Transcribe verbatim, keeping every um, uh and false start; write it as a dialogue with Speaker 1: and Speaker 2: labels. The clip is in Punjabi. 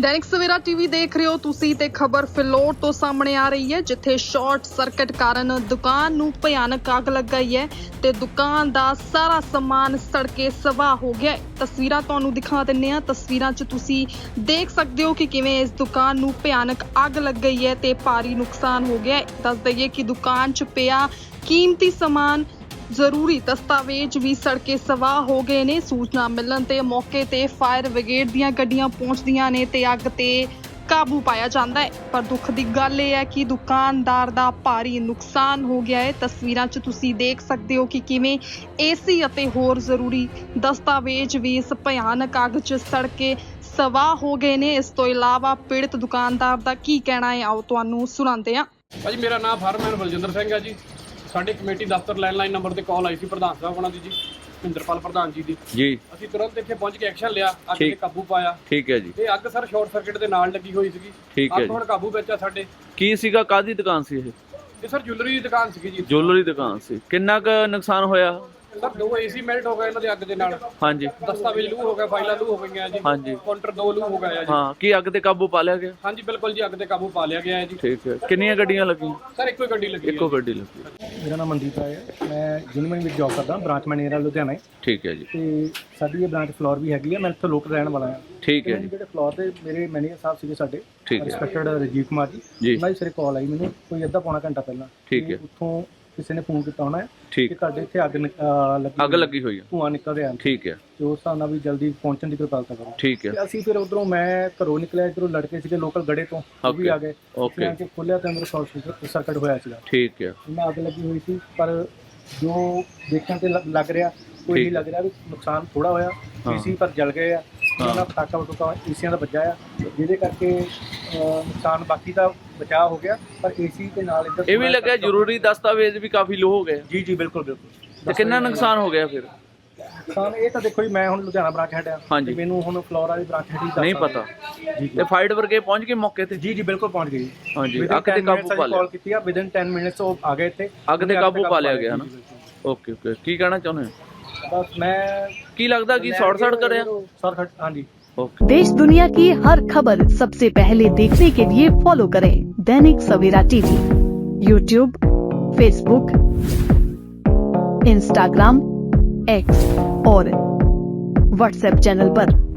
Speaker 1: दैनिक सवेरा टीवी देख रहे हो तुसी ते खबर फिलौर तो सामने आ रही है, जिथे शॉर्ट सर्किट कारण दुकान नूं भयानक अग लग गई है ते दुकान दा सारा समान सड़ के सवाह हो गया है। तस्वीरां तुहानूं दिखा दिंने आ। तस्वीरां च तुसी देख सकदे हो कि किवें इस दुकान नूं भयानक अग लग गई है ते भारी नुकसान हो गया है। दस दईए कि दुकान च पिया कीमती समान जरूरी दस्तावेज भी सड़के सवाह हो गए ने। सूचना मिलण ते मौके ते फायर ब्रिगेड दीयां गड्डियां पहुंचदियां ने ते अग ते काबू पाया जाता है। पर दुख की गल यह है कि दुकानदार का भारी नुकसान हो गया है। तस्वीरां च तुसी देख सकते हो कि किवें एसी अते होर जरूरी दस्तावेज भी इस भयानक अग च सड़ के सवाह हो गए ने। इस तो इलावा पीड़ित दुकानदार का की कहना है, आओ तुहानूं सुणांदे हां।
Speaker 2: भाजी मेरा नाम फार्मैन बलजिंदर सिंह है जी। साडी कमेटी दफ्तर लैंडलाइन नंबर ते कॉल आई सी प्रधान साहब उन्हां दी जी, मਹਿੰਦਰਪਾਲ प्रधान जी दी
Speaker 3: जी।
Speaker 2: ਅਸੀਂ तुरंत ਇੱਥੇ ਪਹੁੰਚ ਕੇ ਐਕਸ਼ਨ ਲਿਆ, ਅੱਗ ਤੇ ਕਾਬੂ ਪਾਇਆ।
Speaker 3: ਠੀਕ ਹੈ ਜੀ।
Speaker 2: ਤੇ ਅੱਗ ਸਰ ਸ਼ਾਰਟ ਸਰਕਟ ਦੇ ਨਾਲ ਲੱਗੀ ਹੋਈ ਸੀਗੀ।
Speaker 3: ਠੀਕ ਹੈ
Speaker 2: ਅੱਗ ਹੁਣ ਕਾਬੂ ਵਿੱਚ ਆ ਸਾਡੇ।
Speaker 3: ਕੀ ਸੀਗਾ, ਕਾਹਦੀ ਦੁਕਾਨ ਸੀ ਇਹ?
Speaker 2: ਇਹ ਸਰ ਜੁਐਲਰੀ ਦੀ ਦੁਕਾਨ ਸੀਗੀ ਜੀ।
Speaker 3: ਜੁਐਲਰੀ ਦੁਕਾਨ ਸੀ। ਕਿੰਨਾ ਕੁ ਨੁਕਸਾਨ ਹੋਇਆ?
Speaker 2: ਸਰ ਦੋ ਏਸੀ ਮੈਲਟ ਹੋ ਗਏ ਇਹਨਾਂ ਦੇ ਅੱਗ ਦੇ ਨਾਲ।
Speaker 3: ਹਾਂਜੀ।
Speaker 2: ਦਸਤਾਵੇਜ਼ ਲੂ ਹੋ ਗਿਆ, ਫਾਈਲਾਂ ਲੂ ਹੋ ਗਈਆਂ ਜੀ।
Speaker 3: ਹਾਂਜੀ।
Speaker 2: ਕਾਊਂਟਰ ਦੋ ਲੂ ਹੋ ਗਿਆ ਜੀ।
Speaker 3: ਹਾਂ, ਕੀ ਅੱਗ ਤੇ ਕਾਬੂ ਪਾ ਲਿਆ ਗਿਆ?
Speaker 2: ਹਾਂਜੀ ਬਿਲकुल ਜੀ, ਅੱਗ ਤੇ ਕਾਬੂ ਪਾ ਲਿਆ ਗਿਆ ਹੈ ਜੀ।
Speaker 3: ਠੀਕ ਹੈ। ਕਿੰਨੀਆਂ ਗੱਡੀਆਂ ਲੱਗੀਆਂ?
Speaker 2: ਸਰ ਇੱਕੋ ਹੀ ਗੱਡੀ ਲੱਗੀ ਹੈ।
Speaker 3: ਇੱਕੋ ਗੱਡੀ ਲੱਗੀ।
Speaker 4: ਮੇਰਾ ਨਾਮ ਮਨਦੀਪ ਰਾਏ ਹੈ, ਮੈਂ ਯੂਨੀਵਰਸਿਟੀ ਵਿੱਚ ਜੌਬ ਕਰਦਾ, ਬ੍ਰਾਂਚ ਮੈਨੇਜਰ ਲੁਧਿਆਣਾ।
Speaker 3: ਠੀਕ ਹੈ ਜੀ।
Speaker 4: ਤੇ ਸਾਡੀ ਇਹ ਬ੍ਰਾਂਚ ਫਲੋਰ ਵੀ ਹੈਗੀ ਹੈ, ਮੈਂ ਇੱਥੇ ਲੋਕਲ ਰਹਿਣ ਵਾਲਾ ਹਾਂ।
Speaker 3: ਠੀਕ ਹੈ ਜੀ।
Speaker 4: ਜਿਹੜੇ ਫਲੋਰ ਦੇ ਮੇਰੇ ਮੈਨੇਜਰ ਸਾਹਿਬ ਸੀਗੇ ਸਾਡੇ,
Speaker 3: ਠੀਕ ਹੈ।
Speaker 4: ਰਿਸਪੈਕਟਡ ਰਜੀਵ ਕੁਮਾਰ ਜੀ,
Speaker 3: ਜੀ।
Speaker 4: ਉਹਨਾਂ ਦੀ ਸਿਰੇ ਕਾਲ ਆਈ ਮੈਨੂੰ ਕੋਈ ਅੱਧਾ ਪੌਣਾ ਘੰਟਾ ਪਹਿਲਾਂ।
Speaker 3: ਠੀਕ ਹੈ।
Speaker 4: ਉੱਥੋਂ ਕਿਸੇ ਨੇ ਫੋਨ ਕੀਤਾ ਹੋਣਾ ਹੈ
Speaker 3: ਠੀਕ।
Speaker 4: ਕਿ ਤੁਹਾਡੇ ਇੱਥੇ ਅੱਗ ਨਿਕ- ਅਹ ਲੱਗੀ
Speaker 3: ਅੱਗ ਲੱਗੀ ਹੋਈ ਹੈ।
Speaker 4: ਧੂੰਆਂ ਨਿਕਲ ਰਿਹਾ।
Speaker 3: ਠੀਕ ਹੈ।
Speaker 4: ਤੇ ਉਸ ਹਿਸਾਬ ਨਾਲ ਵੀ ਜਲਦੀ ਪਹੁੰਚਣ ਦੀ ਕਿਰਪਾਲਤਾ ਕਰੋ।
Speaker 3: ਠੀਕ ਹੈ।
Speaker 4: ਤੇ ਅਸੀਂ ਫਿਰ ਉਧਰੋਂ ਮੈਂ ਘਰੋਂ ਨਿਕਲਿਆ, ਇੱਧਰੋਂ ਲੜਕੇ ਸੀਗੇ ਲੋਕਲ ਗੜੇ ਤੋਂ, ਉਹ ਵੀ ਆ ਗਏ।
Speaker 3: ਓਕੇ।
Speaker 4: ਆ ਕੇ ਖੋਲਿਆ ਤੇ ਅੰਦਰ ਸ਼ਾਰਟ ਸਰਕਟ ਹੋਇਆ ਸੀਗਾ।
Speaker 3: ਠੀਕ ਹੈ।
Speaker 4: ਇਹਨਾਂ ਅੱਗ ਲੱਗੀ ਹੋਈ ਸੀ, ਪਰ ਜੋ ਦੇਖਣ ਤੇ ਲ- ਲੱਗ ਰਿਹਾ ਕੋਈ ਨਹੀਂ ਲੱਗ ਰਿਹਾ ਵੀ ਨੁਕਸਾਨ ਥੋੜਾ ਹੋਇਆ। ਏਸੀ ਪਰ ਜਲ ਗਏ ਆ, ਉਹਨਾਂ ਪਟਾਕਾ ਵਟੂਕਾ ਏਸੀਆਂ ਦਾ ਵੱਜਾ ਆ, ਜਿਹਦੇ ਕਰਕੇ ਅਹ, ਨੁਕਸਾਨ ਬਾਕੀ ਦਾ ਬਚਾਅ ਹੋ ਗਿਆ। ਪਰ ਏਸੀ ਦੇ ਨਾਲ ਇੱਧਰ
Speaker 3: ਇਹ ਵੀ ਲੱਗਿਆ ਜ਼ਰੂਰੀ ਦਸਤਾਵੇਜ਼ ਵੀ ਕਾਫੀ ਲੋ ਹੋ ਗਏ।
Speaker 4: ਜੀ ਜੀ ਬਿਲਕੁਲ ਬਿਲਕੁਲ।
Speaker 3: ਤੇ ਕਿੰਨਾ ਨੁਕਸਾਨ ਹੋ ਗਿਆ ਫਿਰ?
Speaker 4: ਨੁਕਸਾਨ ਇਹ ਤਾਂ ਦੇਖੋ ਜੀ, ਮੈਂ ਹੁਣ ਲੁਧਿਆਣਾ ਬ੍ਰਾਂਚ ਹੈਡ ਆ,
Speaker 3: ਹਾਂਜੀ।
Speaker 4: ਮੈਨੂੰ ਹੁਣ ਫਲੋਰ ਵਾਲੀ ਬ੍ਰਾਂਚ ਹੈਡ
Speaker 3: ਨਹੀਂ ਪਤਾ।
Speaker 4: ਜੀ
Speaker 3: ਤੇ ਫਾਇਰ ਬ੍ਰਿਗੇਡ ਪਹੁੰਚ ਗਏ ਮੌਕੇ ਤੇ?
Speaker 4: ਜੀ ਜੀ ਬਿਲਕੁਲ ਪਹੁੰਚ ਗਈ।
Speaker 3: ਹਾਂਜੀ। ਅੱਗ ਤੇ ਕਾਬੂ ਪਾ ਲਿਆ।
Speaker 4: ਕਾਲ ਕੀਤੀ ਆ, ਵਿਦਿਨ ਦਸ ਮਿੰਟਸ ਉਹ ਆ ਗਏ ਇੱਥੇ।
Speaker 3: ਅੱਗ ਤੇ ਕਾਬੂ ਪਾ ਲਿਆ ਗਿਆ ਨਾ। Okay okay. ਕੀ ਕਹਿਣਾ ਚਾਹੁੰਦੇ ਹੋ?
Speaker 4: ਬਸ ਮੈਂ
Speaker 3: ਕੀ ਲੱਗਦਾ ਕਿ शॉर्ट सर्किट करें?
Speaker 4: शॉर्ट सर्किट, हाँ जी।
Speaker 5: देश दुनिया की हर खबर सबसे पहले देखने के लिए फॉलो करें Dainik Savera TV, YouTube, Facebook, Instagram, X और व्हाट्सएप चैनल पर।